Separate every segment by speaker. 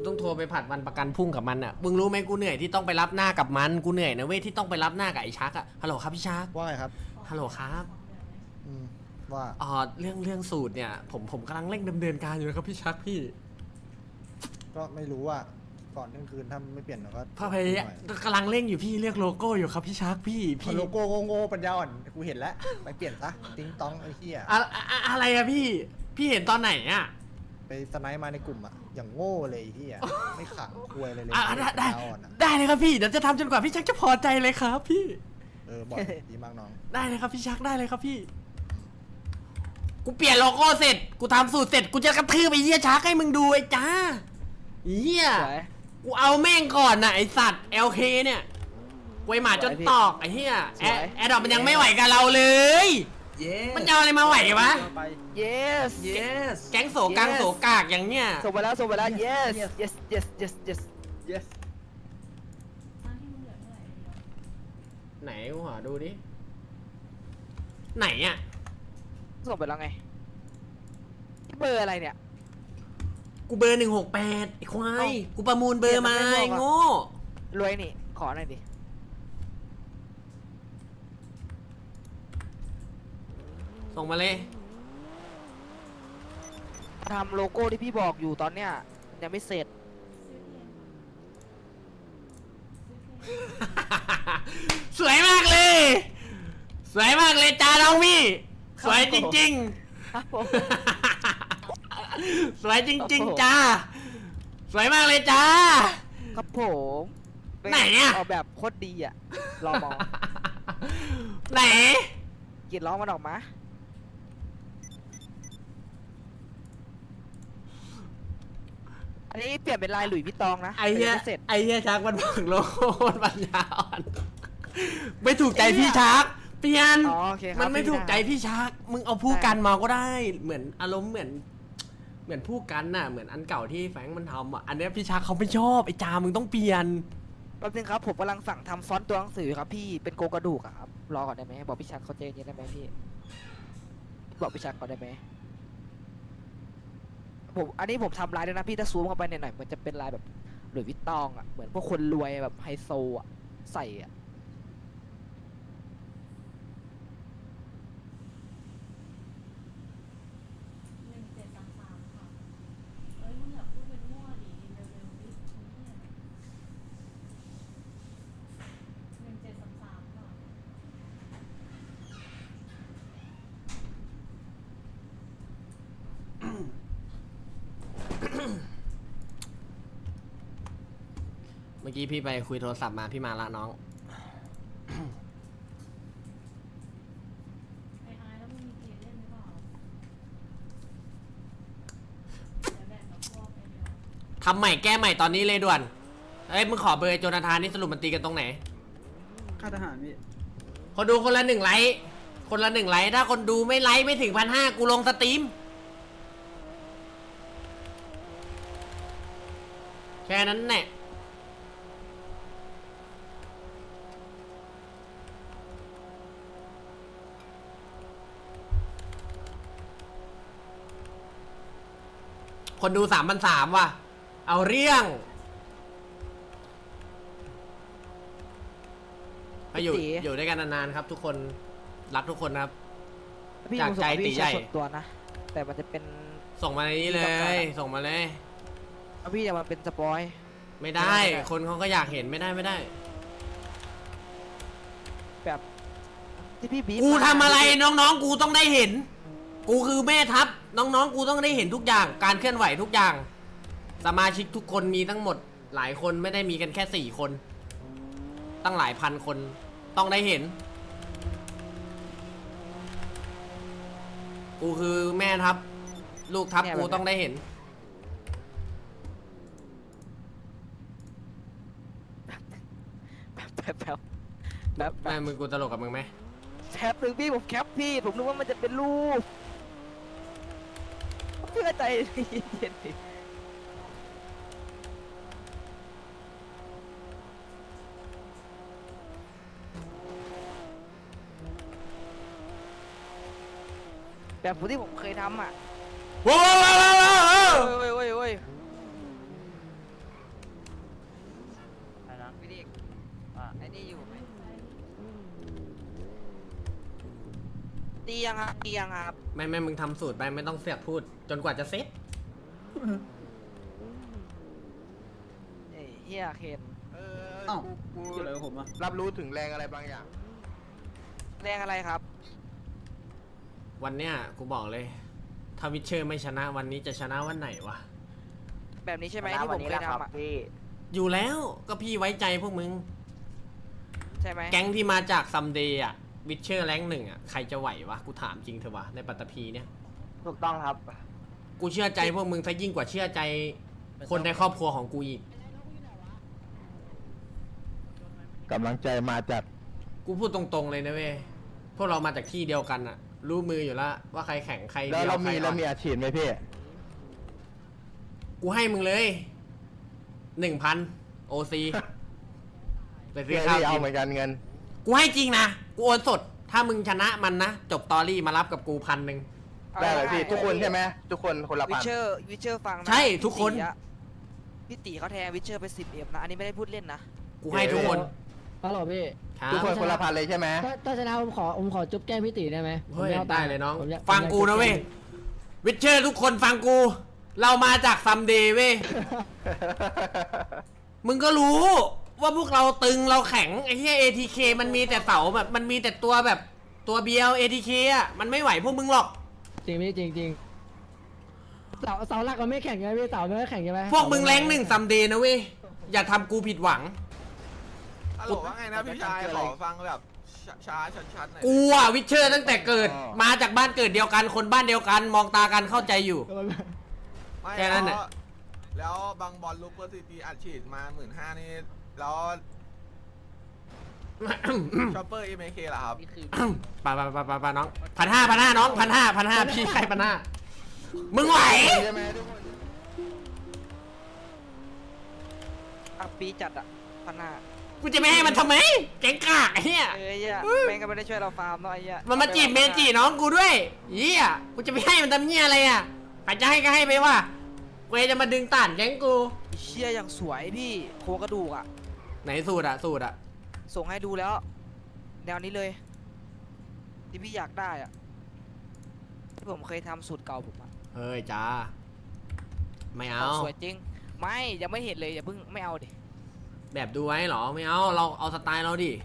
Speaker 1: ต้องโทรไปผัดวันประกันพรุ่งกับมันอ่ะมึงรู้ไหมกูเหนื่อยที่ต้องไปรับหน้ากับมันกูเหนื่อยนะเว้ยที่ต้องไปรับหน้ากับไอ้ชักอ่ะฮัลโหลครับพี่ชัก
Speaker 2: ว่าไงครับ
Speaker 1: ฮัลโหลครับ
Speaker 2: ว่า
Speaker 1: เรื่องสูตรเนี่ยผมกำลังเร่งดำเนินการอยู่นะครับพี่ชักพี่
Speaker 2: ก็ไม่รู้ว่าก่อนเที่ยงคืนถ้าไม่เปลี่ยนเราก็
Speaker 1: พ่อพยายามกำลังเร่งอยู่พี่เลือกโลโก้อยู่ครับพี่ชักพี่
Speaker 2: โลโก้โง่ปัญญาอ่อนกูเห็นแล้วไปเปลี่ยนซะติ้งต้องไอ้เหี้ย
Speaker 1: อะไรอะพี่เห็นตอนไหนอะ
Speaker 2: ไปสไนป์มาในกลุ่มอะอย่างโง่เลยไอ้เหี้ยไม่ขังควยอะไรเลย
Speaker 1: ได้
Speaker 2: ปัญญาอ่อนอะ
Speaker 1: ได้เลยครับพี่เดี๋ยวจะทำจนกว่าพี่ชักจะพอใจเลยครับพี่
Speaker 2: บอกดีมากน้อง
Speaker 1: ได้เลยครับพี่ชักได้เลยครับพี่กูเปลี่ยนโลโก้เสร็จกูทำสูตรเสร็จกูจะกระทืบไอ้เหี้ยชักให้มึงดูไอ้จ้าเหี้ยกูเอาแม่งก่อนนะไอ้สัตว์ LK เนี่ยกวยหมาจนตอกไอ้เหี้ยแอดดอกมันยังไม่ไหวกับเราเลยมันจะเอาอะไรมาไหววะ
Speaker 3: yes yes
Speaker 1: แก๊งโสกังโสกากอย่างเนี้ย
Speaker 3: ส่งไปแล้วyes yes yes yes yes yes
Speaker 1: ไหนกูหาดูดิไหนอ่ะ
Speaker 3: ส่งไปแล้วไงเบอร์อะไรเนี่ย
Speaker 1: กูเบอร์168ไอ้ควายกูประมูลเบอร์มาไอ้โง่
Speaker 3: รวยนี่ขอหน่อยดิ
Speaker 1: ส่งมาเลย
Speaker 3: ทำโลโก้ที่พี่บอกอยู่ตอนเนี้ยยังไม่เสร็จ
Speaker 1: สวยมากเลยสวยมากเลยจ้าน้องพี่สวยจริง
Speaker 3: ครับผม
Speaker 1: ๆ สวยจริง ๆจ้าสวยมากเลยจ้า
Speaker 3: ครับผม
Speaker 1: ไหนอะ
Speaker 3: ออกแบบโคตรดีอ่ะรอมอง
Speaker 1: ไหน
Speaker 3: กรีดร้องมันออกมาอันนี้เปลี่ยนเป็นลายหลุยส์วิตตองนะ
Speaker 1: ไอ้เหี้ย
Speaker 3: แต่งม่เสร็จ
Speaker 1: ไอ้เหี้ยชักมันบังโลโก้มันปัญญาอ่อนไม่ถูกใจพี่ชักเปลี่ยน
Speaker 3: อ๋อโอเคครับ
Speaker 1: มันไม่ถูกใจพี่ชักมึงเอาผู้กันมาก็ได้เหมือนอารมณ์เหมือนผู้กันน่ะเหมือนอันเก่าที่แฟรงค์มันทำอ่ะอันเนี้ยพี่ชักเขาไม่ชอบไอ้จามึงต้องเปลี่ยน
Speaker 3: แป๊บนึงครับผมกำลังสั่งทำฟอนต์ตัวหนังสือครับพี่เป็นโกกระดูกอะครับรอก่อนได้ไหมบอกพี่ชักเขาใจเย็นได้ไหมพี่บอกพี่ชักก่อนได้ไหมผมอันนี้ผมทำลายด้วยนะพี่ถ้าซูมเข้าไปหน่อยๆมันจะเป็นลายแบบหลุยส์วิตตองอะเหมือนพวกคนรวยแบบไฮโซอะใส่อะ
Speaker 4: 1733ค่ะเอ้ยมึงอย่าพูดเป็นมั่วดิเร็วๆดิ1733ค่ะ
Speaker 1: เมื่อกี้พี่ไปคุยโทรศัพท์มาพี่มาละน้อง
Speaker 4: ไอ้แล้วมึงมีเกมเล่นหรือเปล่าเดี๋ยวแบ่งกับพวกไอ้เดียว
Speaker 1: ทำใหม่แก้ใหม่ตอนนี้เลยด่วนเอ้ยมึงขอเบอร์โจนาธานนี่สรุปมันตีกันตรงไหน
Speaker 5: ค่าทหารพี่
Speaker 1: คนดูคนละ1 ไลค์คนละ1 ไลค์ถ้าคนดูไม่ไลค์ไม่ถึง1,500กูลงสตรีมแค่นั้นแหละคนดู3,300ว่ะเอาเรื่องไปอยู่ด้วยกันนานๆครับ ทุกคนรักทุกคนนะครับ
Speaker 3: พี่
Speaker 1: จากใจตีใหญ่
Speaker 3: ส่วนตัวนะแต่มันจะเป็น
Speaker 1: ส่งมาในนี้เลย ส่งมาเลย
Speaker 3: พี่จะมาเป็นสปอย
Speaker 1: ไม่ได้ คนเขาก็อยากเห็นไม่ได้
Speaker 3: แบบที่พี่บีบ
Speaker 1: กู
Speaker 3: มา
Speaker 1: ทำอะไรน้องๆ กูต้องได้เห็น กูคือแม่ทัพน้องๆ กูต้องได้เห็นทุกอย่าง การเคลื่อนไหวทุกอย่าง สมาชิกทุกคนมีทั้งหมดหลายคนไม่ได้มีกันแค่4 คน ตั้งหลายพันคนต้องได้เห็น กูคือแม่ทัพลูกทัพกูต้องได้เห็น
Speaker 3: แบบ
Speaker 1: แม่มึงกูตลกกับมึงไหม
Speaker 3: แคปหรือพี่ผมแคปพี่ผมนึกว่ามันจะเป็นรูปเพื่อใจเย็นๆดิแบบที่ผมเคยทำอ่ะ
Speaker 1: ว้าว
Speaker 3: โอ้ยไอ้นี่อยู่ไหมตียังครับตียังครับ
Speaker 1: ไม่มึงทำสูตรไปไม่ต้องเสือกพูด จนกว่าจะเซ็ต
Speaker 3: เอ้ยเฮียเคน
Speaker 5: เอ้าเกี่ยวอะไรกับผมอ่ะ
Speaker 6: รับรู้ถึงแรงอะไรบางอย่าง
Speaker 3: แรงอะไรครับ
Speaker 1: วันเนี้ยกูบอกเลย ถ้าวิเชอร์ไม่ชนะวันนี้จะชนะวันไหนวะ
Speaker 3: แบบนี้ใช่ไหมที่ผมเคยทำอ่ะ
Speaker 1: อยู่แล้วก็พี่ไว้ใจพวกมึง
Speaker 3: ใช่ไหม
Speaker 1: แก๊งที่มาจากซัมเดย์อะวิเชอร์แรงหนึ่งอะใครจะไหววะ กูถามจริงเถอะวะในปัตตภีเนี่ย
Speaker 3: ถูกต้องครับ
Speaker 1: กูเชื่อใจพวกมึงซะยิ่งกว่าเชื่อใจคนในครอบครัวของกูอีก
Speaker 6: กำลังใจมาจาก
Speaker 1: กูพูดตรงๆเลยนะเว้ย พวกเรามาจากที่เดียวกันอะรู้มืออยู่แล้วว่าใครแข่งใคร
Speaker 6: แล้ว
Speaker 1: เดียว
Speaker 6: เรา
Speaker 1: ใคร
Speaker 6: มี
Speaker 1: อ่
Speaker 6: เรา
Speaker 1: อน
Speaker 6: มีอาชีพไหมพี่
Speaker 1: กูให้มึงเลย 1,000 โอซีไปซื้
Speaker 6: พี่
Speaker 1: อข้าว
Speaker 6: เอา
Speaker 1: กิน
Speaker 6: เหมือนกันเงิน
Speaker 1: กูให้จริงนะ กูโอนสด ถ้ามึงชนะมันนะ จบตอรี่มารับกับกู1,000
Speaker 6: ได้เลยพี่ทุกคนใช่ไหมทุกคนคนละ
Speaker 3: วิ
Speaker 6: พัน
Speaker 3: เชอร์ฟังนะ
Speaker 1: ใช่ทุกคน
Speaker 3: พี่ตีเขาแทงวิเชอร์ไป10 เอ็มนะ อันนี้ไม่ได้พูดเล่นนะ
Speaker 1: กูให้ทุกคน
Speaker 7: ฮัลโหลพี่
Speaker 1: ครับ
Speaker 6: ทุกคนคนละพันเลยใช่ไหม
Speaker 7: ถ้าชนะผมขอจุ๊บแก้มพี่ตีได้ไหม
Speaker 1: เฮ้ย
Speaker 7: ผมม่อา
Speaker 1: ได้
Speaker 7: ตัค์
Speaker 1: เลยน้อง
Speaker 7: ผมอยา
Speaker 1: ฟังกูนะเว้ย วิเชอร์ทุกคนฟังกู เรามาจากซัมเดย์เว้ย มึงก็รู้ว่าพวกเราตึงเราแข็งไอ้ที่ ATK มันมีแต่เสาแบบมันมีแต่ตัวแบบตัวเบียว ATK อ่ะมันไม่ไหวพวกมึงหรอก
Speaker 7: จริงพี่จริงเสาหลักมันไม่แข่งไงพี่เสามันไม่แข่งใช่ไหม
Speaker 1: พวกมึงแรงหนึ่งซัมเดย์นะเว้ย อย่าทำกูผิดหวัง
Speaker 8: ฮัลโหลว่าไงนะพี่ชายขอฟังแบบช้าๆชัดๆหน่อย
Speaker 1: กูอ่ะวิเชอร์ตั้งแต่เกิด มาจากบ้านเกิดเดียวกันคนบ้านเดียวกัน มองตากันเข้าใจอยู่
Speaker 8: ไม่
Speaker 1: แค่นั้นน่ะ
Speaker 8: แล้วบางบอลลูเปอร์ซิตี้อัดฉีดมา15,000นี่แล้วชอปเปอร์ MK เหรอครับ
Speaker 1: ไปน้อง1,500น้อง1,500พี่ใคร1,500มึงไหว
Speaker 6: ใช่ไหมทุกคน
Speaker 3: อ่ะปีจัดอ่ะพันห้า
Speaker 1: กูจะไม่ให้มันทำไมแกงกากไอ้เหี้ย
Speaker 3: เอ้ยเหี้ยแม่งก็ไม่ได้ช่วยเราฟาร์มเนาะไอ้เหี้ย
Speaker 1: มันมาจีบเมจิน้องกูด้วยเหี้ยกูจะไปให้มันทำเหี้ยอะไรอ่ะใครจะให้ก็ให้ไปว่ากูจะมาดึงต่านแก๊งกู
Speaker 3: เชี่ยอย่างสวยพี่โครงกระดูกอ่ะ
Speaker 1: ไหนสูตรอ่ะ
Speaker 3: ส่งให้ดูแล้ว แนวนี้เลย ที่พี่อยากได้อ่ะที่ผมเคยทำสูตรเก่าผมอ่ะ
Speaker 1: เฮ้ยจ้าไม่เอา
Speaker 3: สวยจริง ไม่ยังไม่เห็นเลยอย่าเพิ่งไม่เอาดิ
Speaker 1: แบบดูไว้เหรอไม่เอาเราเอาสไตล์เราดิ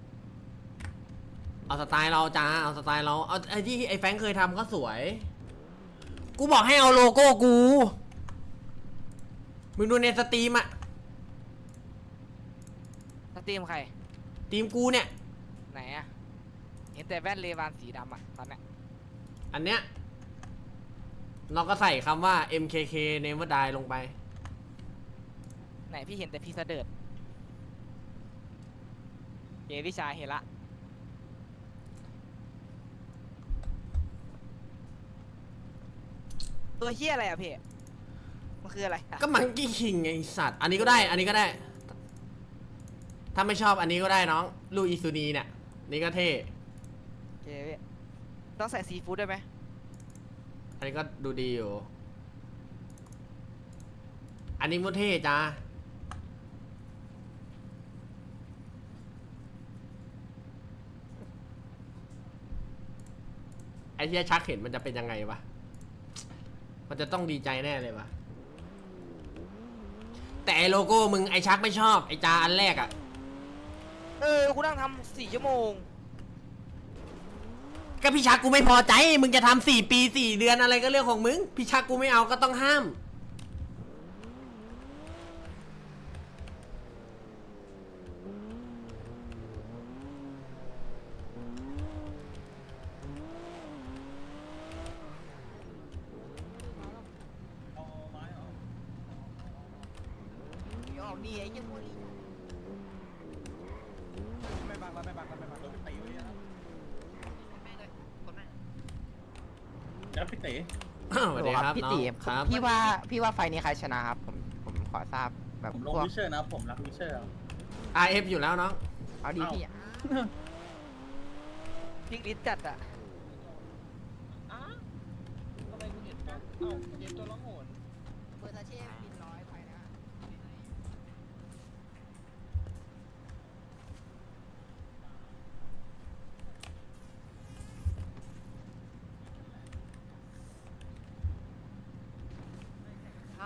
Speaker 1: เอาสไตล์เราจ้าเอาสไตล์เราเอาไอ้ที่ไอ้แฟรงค์เคยทำก็สวย กูบอกให้เอาโลโก้กูมึงดูในสตรีมอะ
Speaker 3: สตรีมใคร
Speaker 1: ทีมกูเนี่ย
Speaker 3: ไหนอ่ะเห็นแต่แว่นเลวานสีดำอ่ะตอนเนี้ย
Speaker 1: อันเนี้ยเราก็ใส่คำว่า MKK Never Die ลงไป
Speaker 3: ไหนพี่เห็นแต่พี่เสดิร์ดเยพี่ชายเห็นละตัวเฮียอะไรอ่ะพี่มันคืออะไรอะ
Speaker 1: ก็มังกี้คิงไงไอ้สัตว์ อันนี้ก็ได้ อันนี้ก็ได้ ถ้าไม่ชอบอันนี้ก็ได้น้อง ลูอิซูนีเนี่ย นี่ก็เท่
Speaker 3: โอเคพี่ต้องใส่ซีฟู้ดด้วยไหม
Speaker 1: อันนี้ก็ดูดีอยู่ อันนี้มุเท่จ้า ไอ้เหี้ยชักเห็นมันจะเป็นยังไงวะ มันจะต้องดีใจแน่เลยวะ แต่ไอโลโก้มึงไอชักไม่ชอบ ไอจาอันแรกอะ
Speaker 3: กูนั่งทำ4 ชั่วโมง
Speaker 1: ก็พี่ชักกูไม่พอใจ มึงจะทำ4 ปี 4 เดือนอะไรก็เรื่องของมึง พี่ชักกูไม่เอาก็ต้องห้าม
Speaker 3: นี่ไอ้ยัง
Speaker 5: แล้วพี่เต๋
Speaker 1: สวัสดีครับ
Speaker 9: พี่
Speaker 1: น้อง
Speaker 9: ตี
Speaker 1: ครับ
Speaker 9: พี่ว่าไฟนี้ใครชนะครับผมขอทราบแบบ
Speaker 5: ผมล
Speaker 9: พ
Speaker 5: ง
Speaker 9: วก
Speaker 5: วิเชอร์นะผมรักวิเชอร์
Speaker 1: RF อยู่แล้วน้อง
Speaker 9: เอาดีพี่
Speaker 3: พิกลิสจัดอ่ะ
Speaker 9: เบอร์ซาเช่บิน100ไปนะ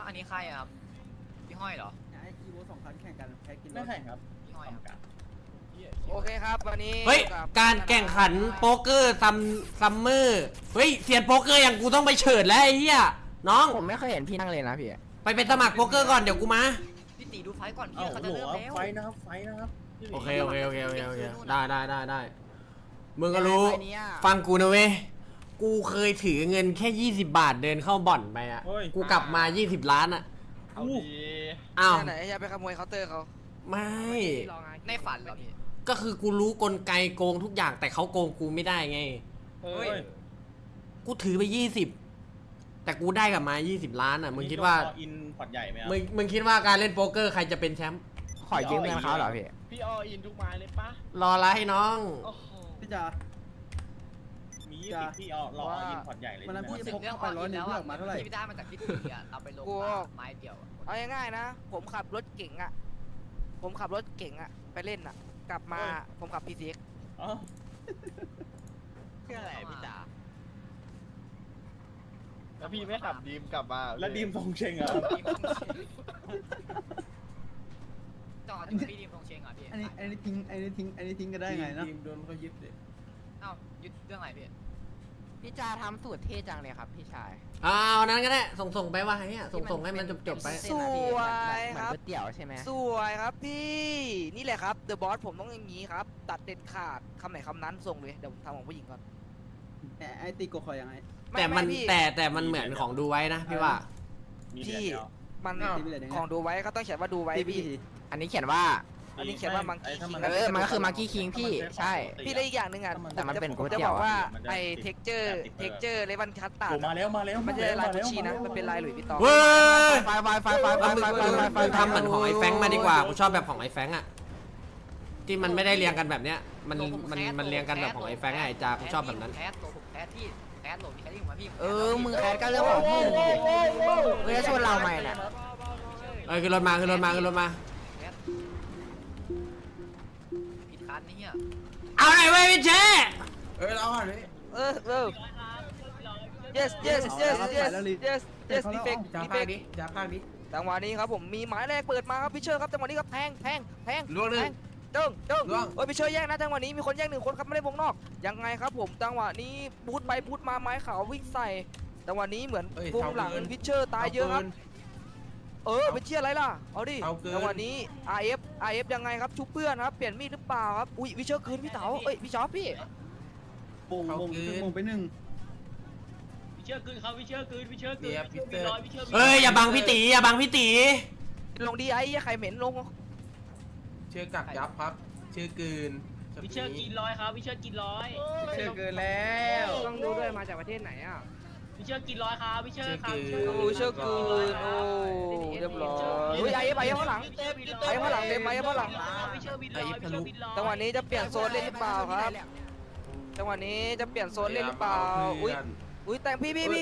Speaker 9: อันนี้ใครอะครับพี่ห้อยเหรอ
Speaker 5: ไอ้กีโว2 คันแข่งกันแพ้กินไม่แข่งครับ
Speaker 9: พี่ห้อยครับ
Speaker 3: โอเคครับวันนี้
Speaker 1: เฮ้ย
Speaker 3: อยู่บ
Speaker 1: การแข่งขันโป๊กเกอร์ซัมเมอร์เฮ้ยเซียนโป๊กเกอร์อย่างกูต้องไปเฉิดแล้วไอ้เหี้ยน้อง
Speaker 9: ผมไม่เคยเห็นพี่นั่งเลยนะพี่
Speaker 1: ไปเป็นสมัครโป๊กเกอร์ก่อนเดี๋ยวกูมา
Speaker 9: พี่ตีดูไฟก่อน
Speaker 5: เอ้า
Speaker 9: พี่เขา
Speaker 5: โห
Speaker 9: จะเริ่มแล้ว
Speaker 5: ไฟนะครับไฟนะครับพี่หมี
Speaker 1: โอเคได้มึงก็รู้ฟังกูนะเว้ยกูเคยถือเงินแค่20 บาทเดินเข้าบ่อนไปอ่ะกูกลับมา20 ล้านอ่ะ
Speaker 5: เอาดี
Speaker 1: อ้าว
Speaker 3: ไหนจะไปขโมยเคาน์เตอร์เขา
Speaker 1: ไม่
Speaker 9: ในฝันเหรอพี่
Speaker 1: ก็คือกูรู้กลไกโกงทุกอย่างแต่เขาโกงกูไม่ได้ไง
Speaker 5: เฮ้ย
Speaker 1: กูถือไป20แต่กูได้กลับมา20 ล้านอ่ะมึงคิดว่า
Speaker 5: อินพอร์ตใหญ่ไหมครับ
Speaker 1: มึงคิดว่าการเล่นโป๊กเกอร์ใครจะเป็นแชมป์
Speaker 9: ขอยืมเงินเขาเหรอพี่
Speaker 5: พี่ออินทุกไม้เลยปะ
Speaker 1: รออะไรให้น้อง
Speaker 5: พี่จ๋ามี20พี่รออินพอร์ตใหญ่เลย
Speaker 9: พูดถึงเรื่องออนแล้วอะที่ได้มาจากพี่ตีอะเราไปลงไม้เดียว
Speaker 3: เอาง่ายๆนะ ผมขับรถเก๋งอ่ะไปเล่นอ่ะ กลับมาผมขับ PCX
Speaker 5: อ๋อ
Speaker 9: เพื่ออะไรพี่จ๋า
Speaker 6: แล้วพี่ไม่ขับดีมกลับมา
Speaker 5: แล้วดีมทรงเชงอ่ะ
Speaker 9: จอดพี่ดีมตรงเชงเหรอพี่
Speaker 5: อันนี้ทิ้งก็ได้ไงนะดีมโดนเขายึดเลย
Speaker 9: เอ้ายึดเรื่องอะไรพี่พี่จาทำสูตรเท่จังเลยครับพี่ชาย
Speaker 1: เอานั้นก็ได้ส่งไปว่าเนี่ยส่งให้มันจบไป
Speaker 3: สวยครับ
Speaker 9: เหมือนก๋วยเตี๋ยวใช่ไหม
Speaker 3: สวยครับพี่นี่แหละครับเดอะบอสผมต้องอย่างนี้ครับ ตัดเด็ดขาดคำไหนคำนั้นส่งเลยเดี๋ยวผมทำของผู้หญิงก่อน
Speaker 5: ไอ้ตีโกคอยยังไง
Speaker 1: แต่มัน
Speaker 3: พี่
Speaker 1: แต่มันเหมือนของดูไว้นะพี่ว่า
Speaker 5: มี
Speaker 3: พี่
Speaker 5: เดียว
Speaker 3: มัน
Speaker 5: อ้าว
Speaker 3: ของดูไว้ก็ต้องเขียนว่าดูไว้พี่
Speaker 9: อันนี้เขียนว่า
Speaker 3: อันนี้เขียนว่า Monkey King
Speaker 9: มันก็คือมาร์กี้คิงพี่ใช่
Speaker 3: พี่ได้อีกอย่างหนึ่งอ่ะ
Speaker 9: แต่มันเป็นก๋วย
Speaker 3: จะ
Speaker 9: เตี๋
Speaker 3: บ
Speaker 9: ยว
Speaker 3: อกว่า
Speaker 5: มันจะ
Speaker 3: ไอ้เท็กเจอร์เลวันคัสตา
Speaker 5: โอ้
Speaker 3: ร์ด
Speaker 5: มาแล้ว
Speaker 3: มันจะลายกุชชี่นะมันเป็นลายหลุยส์วิตตอง
Speaker 1: เว้ย
Speaker 9: ไฟ
Speaker 1: มึงทำเหมือนของไอ้แฟงค์มาดีกว่ากูชอบแบบของไอ้แฟงค์อะที่มันไม่ได้เรียงกันแบบเนี้ยมันเรียงกันแบบของไอ้แฟงค์อะไอ้จากูชอบแบบนั้น
Speaker 9: แคสตัวผมแคสที่แคสโหลดมีแคสที่ผมมาพี่
Speaker 3: มึงแคสก็เรื่องของมึง
Speaker 9: เฮ้ยชวนเราใหม่น่ะ
Speaker 1: เอ้ยขึ้นรถมา
Speaker 9: ผิดคันนี่เนี่ย
Speaker 1: เอาไหนไว้พี่เจ
Speaker 3: yes defect จังหวะนี้ครับผมมีหมายแรกเปิดมาครับพี่เชอร์ครับจังหวะนี้ครับแทงล่วงหนึ่งตึ้งเฮ้ยพี่เชอร์แย่งนะจังหวะนี้มีคนแย่ง1 คนครับไม่ได้วงนอกยังไงครับผมจังหวะนี้บูทไปบูทมาไม้ขาววิ่งใส่จังหวะนี้เหมือนวงหลังพี่เชอร์ตายเยอะครับเป็นเชี่ยอะไรล่ะเอาดิจังหวะนี้ RF ยังไงครับชุบเพื่อนครับเปลี่ยนมีดหรือเปล่าครับอุ้ยวิเชอร์คืนพี่เต๋าพี่ชอปพี่
Speaker 5: มงไปหนึ่ง
Speaker 1: เอ้ยอย่าบังพี่ตี
Speaker 3: ลงดีไอ้ใครเหม็นลง
Speaker 6: ชื่อกักยับครับ ชื่อกืน
Speaker 10: วิเชอร์กินร้อยครับวิเชอร์กินร้อย
Speaker 6: ชื่อกืนแล้ว
Speaker 7: ต้องดูด้วยมาจากประเทศไหนอ่ะ
Speaker 10: วิเชอร์กินร้อยครับวิเชอร์ครับ
Speaker 3: วิเชอร์คืนเรียบร้อยอุ้ยไอ้ข้างหลังเต็มไอ้ข้างหลัง
Speaker 10: วิเชอร์บินร้อยวิเชอร์บินร้อย
Speaker 3: จังหวะนี้จะเปลี่ยนโซนเล่นหรือเปล่าครับจังหวะนี้จะเปลี่ยนโซนเล่นหรือเปล่าอุ้ยแต่งพี่ดี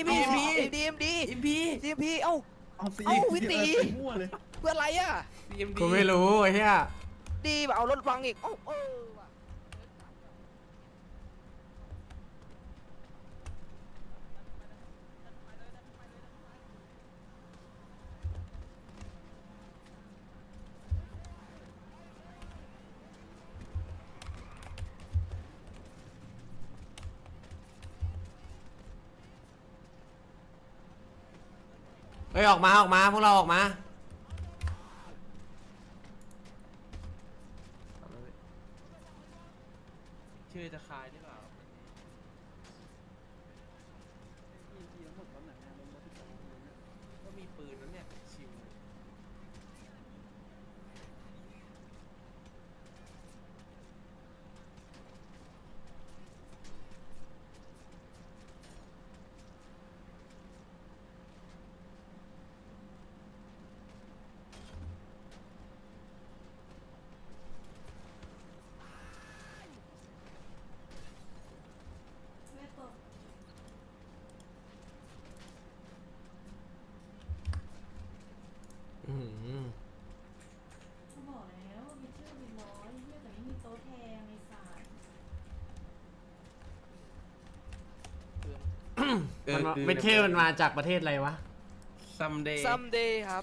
Speaker 3: เอ้าวิตีเพื่ออะไรอ่ะ
Speaker 1: กูไม่รู้ไอ้เหี้ย
Speaker 3: ดีแบบเอารถฟังอีก
Speaker 1: เฮ้ยออกมาพวกเราออกมา
Speaker 6: ชื่อจะคายหรือเปล่า ก็มีปืนแล้วเนี่ย ชิว
Speaker 4: ไม่ตก กูบอกแล้ววิเชอร์บินร้อยเฮียแต่ไม่มีโต๊ะแทงไอ้สัส
Speaker 1: เวทเทอร์มันมาจากประเทศอะไรวะ
Speaker 6: ส someday
Speaker 3: someday ครับ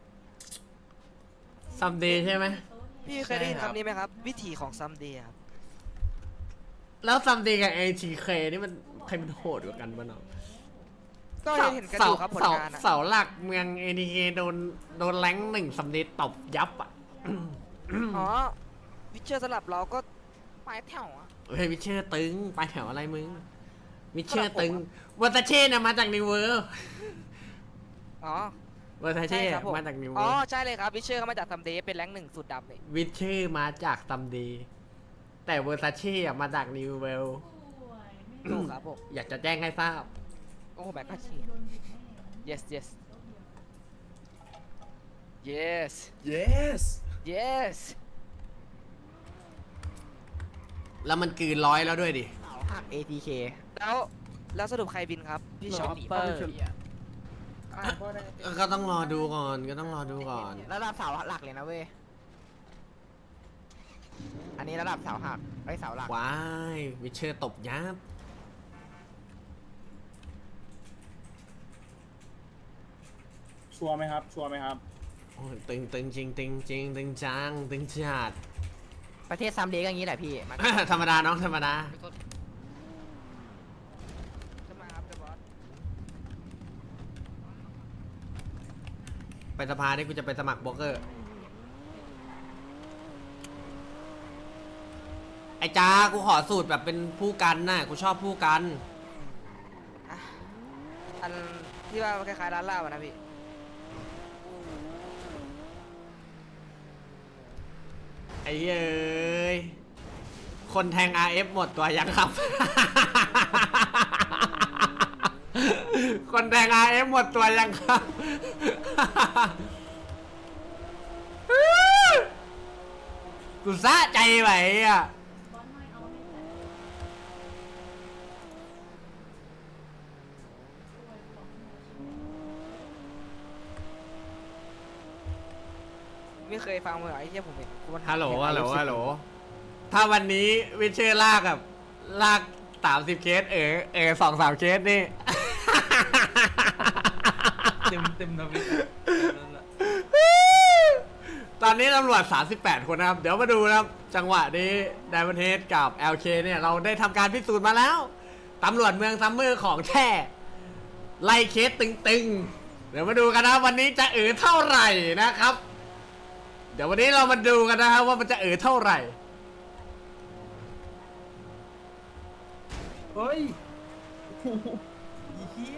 Speaker 1: ซัมเดย์ใช่ไหม
Speaker 3: พี่เคยได้ยิน
Speaker 6: ใช่ครับ
Speaker 3: คำนี้ไหมครับ วิถีของ someday ครับ
Speaker 1: แล้วซัมเดย์กับ ATK นี่มันใครมันโหดกว่ากันบ้างเนาะ
Speaker 3: ก็เห็นกันอยู่ครับผลงานอะ
Speaker 1: เสาหลักเมือง ATK โดนแรงค์หนึ่งซัมเดย์ตบยับอ่ะ
Speaker 3: อ๋อวิเชอร์สำหรับเราก็ปลายแถวอะ
Speaker 1: เฮ้ยวิเชอร์ตึงไปแถวอะไรมึงวิเชอร์ตึง
Speaker 3: ครับผม
Speaker 1: วัตเช่เนี่ยมาจากนิวเวิร์
Speaker 3: อ๋อ
Speaker 1: วัตเช่
Speaker 3: ใช่ครับผม
Speaker 1: มาจากนิว
Speaker 3: อ๋
Speaker 1: เวิ
Speaker 3: อ
Speaker 1: ร์
Speaker 3: ใช่เลยครับวิเชอร์เขามาจาก someday เป็นแรงค์1สูตรดำเลย
Speaker 1: วิเชอร์มาจากซัมเดย์แต่เวอร์ซาเช่อะมาจากนิวเวิร์
Speaker 4: ป่วยไม่
Speaker 3: ถูกครับผม
Speaker 1: อยากจะแจ้งให้ทราบ
Speaker 3: โอ้แม็กก็เชีย
Speaker 4: โดนบิดแน่
Speaker 3: yes yes
Speaker 6: yes
Speaker 3: yes
Speaker 1: แล้วมันกลืนร้อยแล้วด้วยดิ
Speaker 9: เสาหัก ATK
Speaker 3: แล้วสรุปใครบินครับ พี่ชอปเปอร์
Speaker 1: ก็ต้องรอดูก่อนก็ต้องรอดูก่อน
Speaker 9: ระดับเสาหลักเลยนะเว้ย อันนี้ระดับเสาหักไอ้ยเสาหลัก
Speaker 1: ว้ายวิเชอร์ตบยับ
Speaker 5: ชัวร์ไหมครับ ชัวร์ไหมครับ
Speaker 1: โอ้ยตึงจริงตึงจริงตึงจังตึงจัด
Speaker 9: ประเทศซัมเดย์ก็อย่างนี้แหละพี่มัน
Speaker 1: ธรรมดาน้องธรรมดา
Speaker 3: จะมาครับเดอะบอส
Speaker 1: ไปสภาเนี่ยกูจะไปสมัครโบล็อกเกอร์ ไอ้จ้ากูขอสูตรแบบเป็นผู้กันน่ะกูชอบผู้กัน
Speaker 3: อันที่ว่าคล้ายๆร้านเหล้าอะนะพี่
Speaker 1: ไอ้เอ้ยคนแทง RF หมดตัวยังครับ คนแทง RF หมดตัวยังครับ กูซะใจไหวอ่ะ
Speaker 4: บอสน้อยเอาให้แต่ป่วยบอกหน่อย
Speaker 3: ไม่เคยฟังเลยไอ้เหี้ยผมเห็นคน
Speaker 1: ฮัลโหล
Speaker 3: เห็น
Speaker 1: ฮัลโหล
Speaker 3: อายุ
Speaker 1: ฮัลโหล ถ้าวันนี้วิเชอร์ลากกับลาก30 เคส2-3 เคสนี่
Speaker 6: เต็มทวิตนั่นแหละ
Speaker 1: ตอนนี้ตำรวจ 38 คนนะครับ เดี๋ยวมาดูนะครับ จังหวะนี้ไดมอนเฮดกับ LK เนี่ย เราได้ทำการพิสูจน์มาแล้ว ตำรวจเมืองซัมเมอร์ของแท้ ไล่เคสตึงๆ เดี๋ยวมาดูกันนะวันนี้จะเท่าไหร่นะครับ เดี๋ยววันนี้เรามาดูกันนะครับว่ามันจะเท่าไหร่
Speaker 6: เฮ้ยโอ้โหเฮีย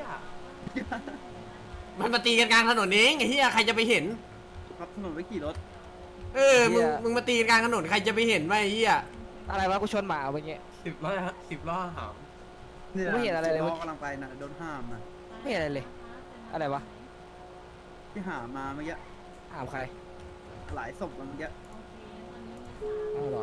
Speaker 1: มันมาตีกันกลางถนนเองไอ้เหี้ยใครจะไปเห็น
Speaker 5: ครับถนนไว้ขี่รถ
Speaker 1: มึงมาตีกันกลางถนนใครจะไปเห็นวะไอ้เหี้ย
Speaker 3: อะไรวะกูชนหมาเอาไปเงี้ย
Speaker 6: 10 ล้อหาม
Speaker 3: ไม่เห็นอะไรเลย
Speaker 5: กำลังไปนะโดนห้ามนะ
Speaker 3: ไม่เห็นอะไรเลย อะไรวะ
Speaker 5: ที่หามาเมื่อกี้
Speaker 3: ถามใคร
Speaker 5: หลายศพเมื่อกี้
Speaker 3: เอาเหรอ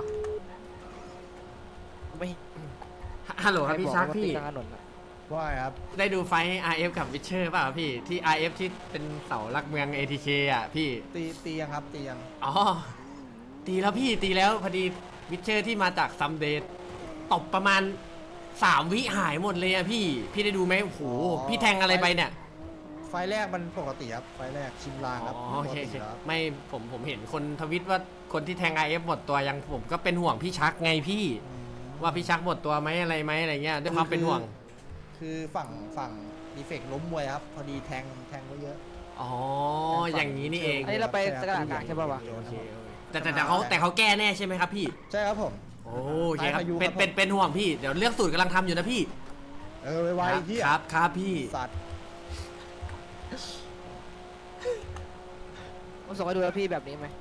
Speaker 3: ไม่เห็น
Speaker 1: ฮัลโหลครับพี่ชัก
Speaker 3: ใบอ
Speaker 1: พี่
Speaker 3: ว่าติดกลางถนนอะ
Speaker 2: ว่าไงครับ
Speaker 1: ได้ดูไฟท์ RF กับวิเชอร์ป่ะพี่ ที่ RF ที่เป็นเสาหลักเมือง ATK อ่ะพี่
Speaker 2: ตียังครับตียัง
Speaker 1: อ๋อ ตีแล้วพี่ตีแล้วพอดีวิเชอร์ที่มาจากซัมเดย์ตบประมาณ 3 วิหายหมดเลยอะพี่ พี่ได้ดูไหมโอ้โห พี่แทงอะไรไปเนี่ย
Speaker 2: ไฟแรกมันปกติครับ ไฟแรกชิมลาง
Speaker 1: อ๋
Speaker 2: ครับ
Speaker 1: อโอเค
Speaker 2: ปก
Speaker 1: โอเค
Speaker 2: ติแล้ว
Speaker 1: ไม่ผมเห็นคนทวิตว่าคนที่แทง RF หมดตัวยังผมก็เป็นห่วงพี่ชักไงพี่
Speaker 2: อืม
Speaker 1: ว่าพี่ชักหมดตัวไหมอะไรเงี้ยด้วยความเป็นห่วง
Speaker 2: คือฝั่งดีเฟกล้มมวยครับ พอดีแทงไว้เยอะ
Speaker 1: อ๋อ อย่างนี้นี่เอง
Speaker 3: อันนี้เราไปสกัดกลางใช่ป่าวะ
Speaker 1: โอเคแต่เขาแก้แน่ใช่ไหมครับพี่
Speaker 2: ใช่ครับผม
Speaker 1: โอเคครับ
Speaker 2: พายุ
Speaker 1: เป็น
Speaker 2: ครับ
Speaker 1: เป็นห่วงพี่ เดี๋ยวเลือกสูตรกำลังทำอยู่นะพี่
Speaker 2: ไวๆที่
Speaker 1: ครับครับพี่
Speaker 2: สัตว์
Speaker 3: ผมส่งให้ดูแล้วพี่แบบนี้ไหม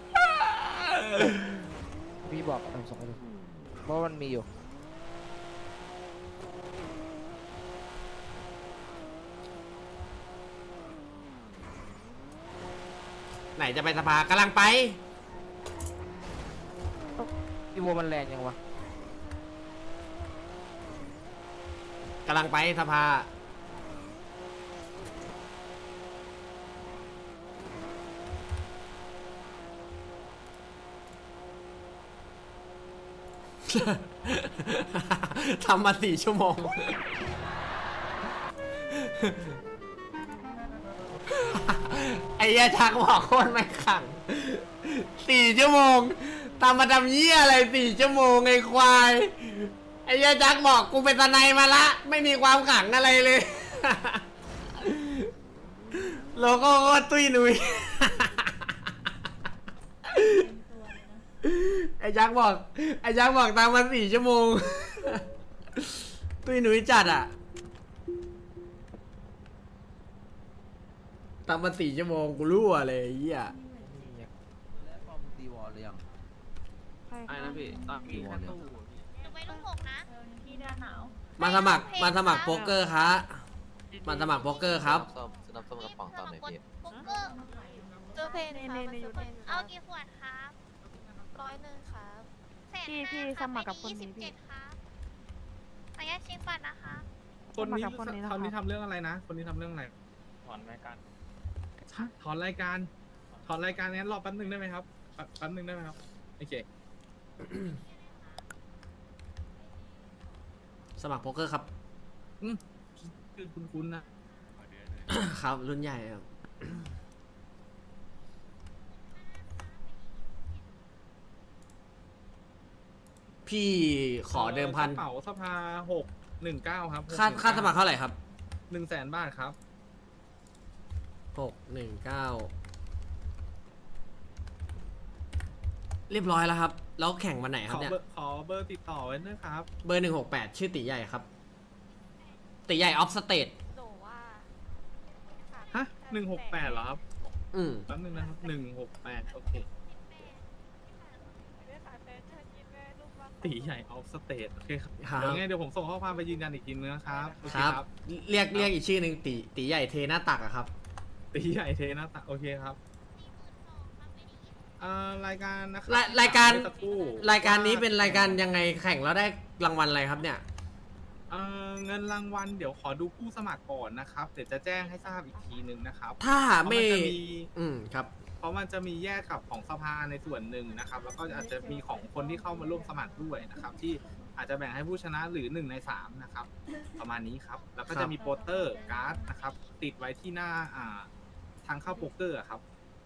Speaker 3: พี่บอกผมส่งให้ดูเพราะว่ามันมีอยู่
Speaker 1: ไหนจะไปสภากำลังไป
Speaker 3: พี่วัวมันแรงยังวะ
Speaker 1: กำลังไปสภา ทำมา4 ชั่วโมงไอ้เหี้ยชักบอกโคตรไม่ขัง4 ชั่วโมงตามมาทำเหี้ยอะไร4 ชั่วโมงไอ้ควายไอ้เหี้ยชักบอกกูเป็นทนายมาละไม่มีความขังอะไรเลย โลโก้โคตรตุ้ยหนุย ไอ้ยักษ์บอกตามมา4 ชั่วโมง ตุ้ยหนุยจัดอ่ะตามมา4 ชั่วโมงกูรั่วเลยไอ้เหี้ย
Speaker 6: ตีวอลเลยยัง
Speaker 9: ไอ้นะพี่ตั้ง
Speaker 6: ตีวอลเลย
Speaker 4: หนูไปลูกหกนะพี่ด้านหนาว
Speaker 1: มาสมัครโป๊กเกอร์ครับมาสมัครโป๊กเกอร์ครับ
Speaker 8: สนับสนุนกระป๋องตอนไหนพี่
Speaker 4: โป๊กเกอร์ตัวเพนเอากี่ขวดครับ100ครับพี่สมัครกับคนนี้พี่ครับขออนุญาตเช็คบัตรนะคะ
Speaker 5: คนนี้ทำเรื่องอะไรนะ คนนี้ทำเรื่องอะไร
Speaker 10: ถอนรายการ
Speaker 5: ถอนรายการงั้นรอแป๊บนึงได้ไหมครับแป๊บนึงได้ไหมครับโอเค
Speaker 1: สมัครโป๊กเกอร์ครับ
Speaker 5: คือคุ้นๆนะ
Speaker 1: ครับรุ่นใหญ่ครับ พี่ขอเดิมพัน
Speaker 5: กระเป๋าสภา619ครับ
Speaker 1: ค่าสมัครเท่าไหร่ครับ
Speaker 5: 100,000 บาทครับ
Speaker 1: 619เรียบร้อยแล้วครับ แล้วแข่งวันไหนครับเนี่ย
Speaker 5: ขอเบอร์ติดต่อไว้นะครับ
Speaker 1: เบอร์168ชื่อตีใหญ่ครับตีใหญ่ออฟสเตท
Speaker 4: หนูว่า
Speaker 5: ฮะ168เหรอครับ
Speaker 1: อืม
Speaker 5: แป๊บนึงนะครับ168โอเคตีใหญ่ออฟสเตทโอเคครับ
Speaker 1: ครับ
Speaker 5: เดี๋ยวผมส่งข้อความไปยืนยันอีกทีนึงนะครับโอเ
Speaker 1: ครับ เรียกอีกชื่อหนึ่งตีใหญ่เทหน้าตักอะครับ
Speaker 5: ตีใหญ่เทนะตะโอเคครับรายการนะครั
Speaker 1: รายการ
Speaker 5: เมื่อสัครู่
Speaker 1: รายการนี้เป็นรายการยังไงแข่งแล้วได้รางวัลอะไรครับเนี่ย
Speaker 5: เงินรางวัลเดี๋ยวขอดูผู้สมัครก่อนนะครับเดี๋ยวจะแจ้งให้ทราบอีกทีนึงนะครับ
Speaker 1: ถ้าไม่
Speaker 5: เพราะนจะมี
Speaker 1: ครับ
Speaker 5: เพราะมันจะมีแยกกับของสภาในส่วนหนึ่งนะครับ แล้วก็อาจจะมีของคนที่เข้ามาร่วมสมัครด้วยนะครับ ที่อาจจะแบ่งให้ผู้ชนะหรือ1 ใน 3นะครับประมาณนี้ครับแล้วก็จะมีโปสเตอร์การ์ดนะครับติดไว้ที่หน้าทางเข้าโป๊กเกอร์ครับ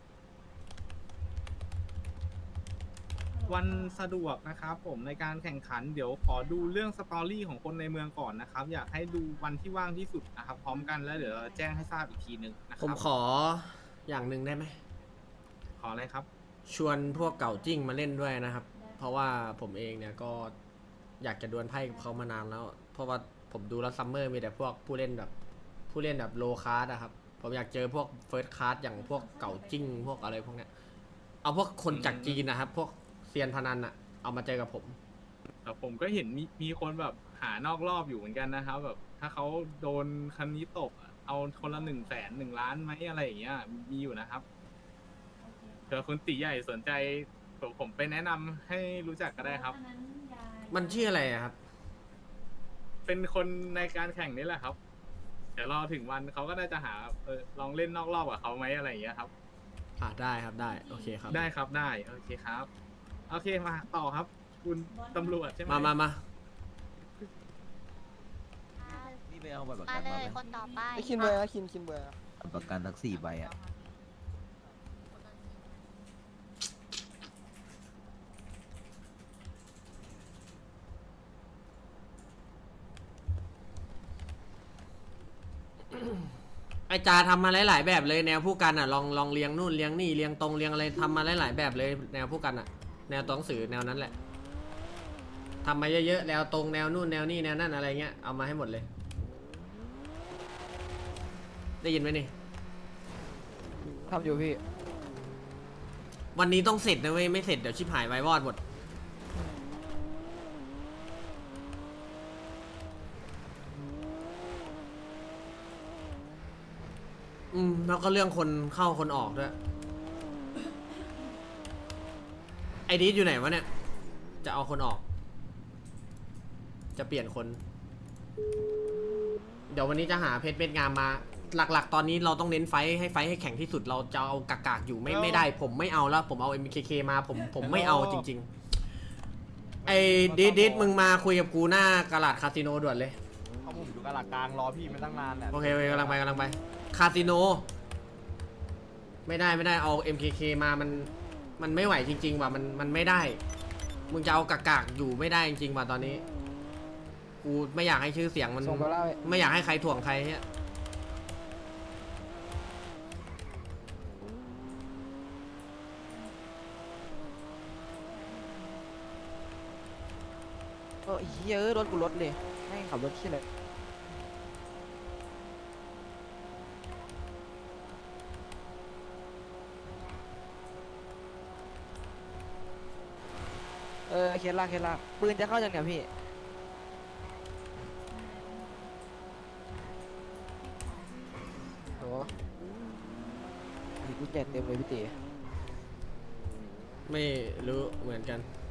Speaker 5: วันสะดวกนะครับผมในการแข่งขันเดี๋ยวขอดูเรื่องสตอรี่ของคนในเมืองก่อนนะครับ อยากให้ดูวันที่ว่างที่สุดนะครับพร้อมกันแล้วเดี๋ยวเราแจ้งให้ทราบอีกทีหนึ่งนะค
Speaker 1: ผ
Speaker 5: รับ
Speaker 1: มขออย่างหนึ่งได้ไหม
Speaker 5: ขออะไรครับ
Speaker 1: ชวนพวกเก่าจิ้งมาเล่นด้วยนะครับ เพราะว่าผมเองเนี่ยก็อยากจะดวลไพ่กับเขามานานแล้ว เพราะว่าผมดูแล้วซัมเมอร์มีแต่พวกผู้เล่นแบบโลคาร์ดอะครับ ผมอยากเจอพวกเฟิร์สคาร์ดอย่างพวกเก่าจิ้งพวกอะไรพวกเนี้ย เอาพวกคนจากจีนนะครับ พวกเซียนพนันอะเอามาเจอกับผม
Speaker 5: แต่ผมก็เห็นมีคนแบบหานอกรอบอยู่เหมือนกันนะครับแบบถ้าเขาโดนคันนี้ตกอะเอาคนละ100,000 1 ล้านไหมอะไรอย่างเงี้ยมีอยู่นะครับเผื่อคุณตีใหญ่สนใจผมไปแนะนำให้รู้จักก็ได้ครับ
Speaker 1: มันชื่ออะไรอะครับ
Speaker 5: เป็นคนในการแข่งนี่แหละครับ เดี๋ยวรอถึงวันเขาก็น่าจะหาลองเล่นนอกรอบกับเขาไหมอะไรอย่างเงี้ยครับ
Speaker 1: ได้ครับได้โอเคครับ
Speaker 5: ได้ครับได้โอเคครับ โอเคมาต่อครับ คุณตำรวจใช่ไหม
Speaker 1: มา
Speaker 6: นี่ไปเอาบัตรประ
Speaker 4: มา
Speaker 6: กัน
Speaker 4: เล
Speaker 6: มาย ไหม
Speaker 4: คนต่อไป
Speaker 7: คินเบอร์คินเบอร์
Speaker 6: บัตรประกันทั้ง4 ใบอ่ะ
Speaker 1: ไอจาทำมาหลายๆแบบเลยแนวผู้กันอ่ะลองเลี้ยงนู่นเลี้ยงนี่เลี้ยงตรงเลี้ยงอะไรทำมาหลายๆแบบเลยแนวผู้กันอ่ะ แนวตัวหนังสือแนวนั้นแหละทำมาเยอะๆแนวตรงแนวนู่นแนวนี่แนวนั่นอะไรเงี้ยเอามาให้หมดเลย ได้ยินไหมนี่
Speaker 9: ทำอยู่พี่
Speaker 1: วันนี้ต้องเสร็จนะเว้ยไม่เสร็จเดี๋ยวชิบหายไว้วอดหมดแล้วก็เรื่องคนเข้าคนออกด้วยไอดีอยู่ไหนวะเนี่ยจะเอาคนออก จะเปลี่ยนคน เดี๋ยววันนี้จะหาเพชรเม็ดงามมาหลักๆ ตอนนี้เราต้องเน้นไฟท์ให้แข็งที่สุดเราจะเอากากๆอยู่ไม่ได้ ผมไม่เอาแล้วผมเอา MKK มาผมไม่เอาจริงๆไอ้ดิดมึงมาคุยกับกูหน้ากาลาดคาสิโนด่วนเลย
Speaker 8: เขาผมอยู่กลางกลางรอพี่มาตั้งนานเนี่ย
Speaker 1: โอเคกำลังไปคาสิโนไม่ได้เอา MKK มามันไม่ไหวจริงๆว่ะมันไม่ได้มึงจะเอากากๆอยู่ไม่ได้จริงๆว่ะตอนนี้กูไม่อยากให้ชื่อเสียงมัน
Speaker 7: ส่งไปเล่า
Speaker 1: ไม่อยากให้ใครถ่วงใครเนี่ย
Speaker 3: เฮียรถกูรถเลยให้ขับรถที่ไหนเคสลากปืนจะเข้าจังเนี่ยพี่โอ้ยกูแจกเต็มเลยพี่ตี
Speaker 1: ไม่รู้เหมือนกัน